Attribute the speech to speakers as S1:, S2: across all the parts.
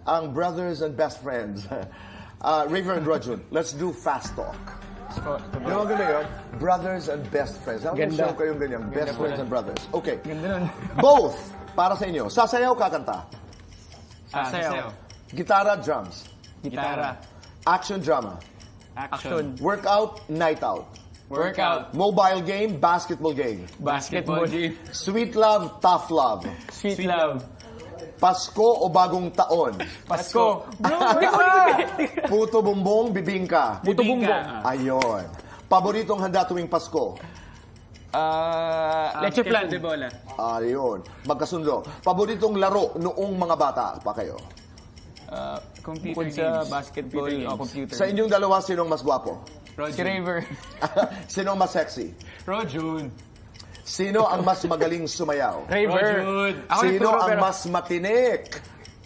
S1: ang brothers and best friends. River and Rojun, let's do fast talk. You know, ganda yun? Brothers and best friends. Ako
S2: Ganda.
S1: show kayong ganyan. Best
S2: po
S1: friends
S2: yan.
S1: and brothers. Okay.
S2: Ganda nun.
S1: Both, para sa inyo. Sasayaw, kakanta.
S2: Sasayaw.
S1: Gitara, drums.
S2: Gitara.
S1: Action, drama.
S2: Action.
S1: Workout, night out.
S2: Workout.
S1: Mobile game, basketball game.
S2: Basketball.
S1: Sweet love, tough love.
S2: Sweet love.
S1: Pasko o bagong taon.
S2: Pasko.
S1: Puto bumbong, bibingka.
S2: Puto bumbong.
S1: Ayon. Paboritong handa tuwing Pasko.
S2: Leche plan.
S1: Ayun. Magkasundo. Paboritong laro noong mga bata pa kayo.
S2: Computer games. Sa basketball o computer.
S1: Sa inyong dalawa, sinong mas gwapo?
S2: Si Raver.
S1: Sinong mas sexy?
S2: Rojun.
S1: Sino ang mas magaling sumayaw?
S2: Raver.
S1: Sino ang mas matinik?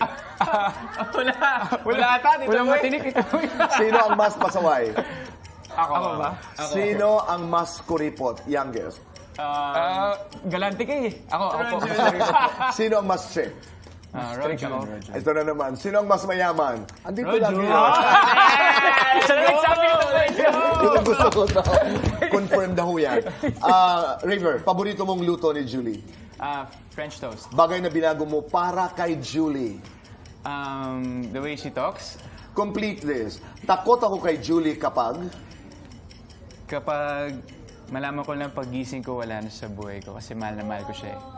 S2: Wala ata dito. Walang matinik ito.
S1: Sino ang mas pasaway?
S2: Ako ba?
S1: Sino ang mas kuripot? Youngest.
S2: Galante ka eh. Ako po.
S1: Sino ang mas strict?
S2: Rojun.
S1: Ito na naman. Sino ang mas mayaman? Andito lang yun.
S2: Sabi ko
S1: Yun ang gusto ko na. Confirm na ho yan. River, paborito mong luto ni Julie?
S2: French toast.
S1: Bagay na binago mo para kay Julie.
S2: The way she talks.
S1: Complete this. Takot ako kay Julie kapag...
S3: Kapag malaman ko lang pagising ko, wala na sa buhay ko kasi mahal na mahal ko siya eh.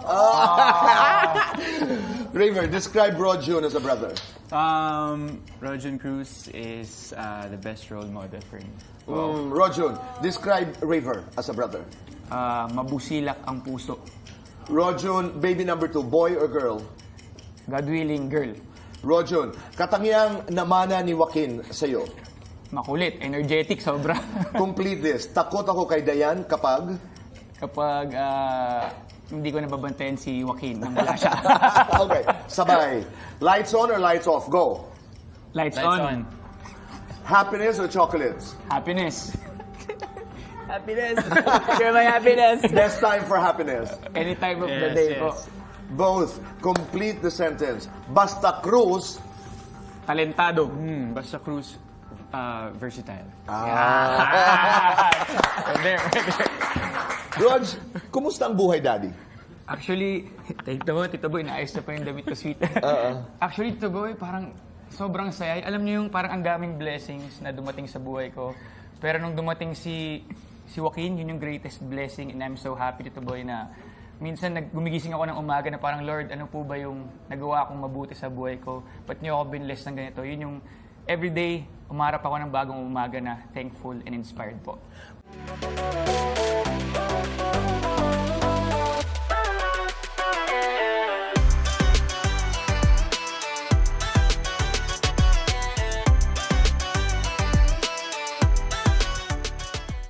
S1: River, describe Rojun as a brother.
S3: Rojun Cruz is the best role model for me.
S1: Rojun, describe River as a brother.
S2: Mabusilak ang puso.
S1: Rojun, baby number 2, boy or girl?
S2: God willing, girl.
S1: Rojun, katangiang namana ni Joaquin sa'yo.
S2: Makulit, energetic, sobra.
S1: Complete this. Takot ako kay Dayan kapag...
S2: Kapag hindi ko nababantayan si Joaquin nang wala siya.
S1: Okay, sabay. Lights on or lights off? Go.
S2: Lights
S3: Lights
S2: on.
S3: on.
S1: Happiness or chocolates?
S2: Happiness.
S3: Happiness!
S2: Share my happiness.
S1: Best time for happiness.
S2: Any time of the
S3: Yes,
S2: day
S3: yes.
S2: po.
S1: Both. Complete the sentence. Basta Cruz.
S2: Talentado.
S3: Basta Cruz, versatile.
S1: Rog, kumusta ang buhay, Daddy?
S2: Actually, Tito Boy, naayos na pa yung damit ko, sweet. Actually, Tito Boy, parang sobrang saya. Alam niyo yung parang ang daming blessings na dumating sa buhay ko. Pero nung dumating si Joaquin, yun yung greatest blessing. And I'm so happy, Tito Boy, na minsan gumigising ako ng umaga na parang, Lord, ano po ba yung nagawa kong mabuti sa buhay ko? Ba't niyo ako binless ng ganito? Yun yung everyday, umarap ako ng bagong umaga na thankful and inspired po.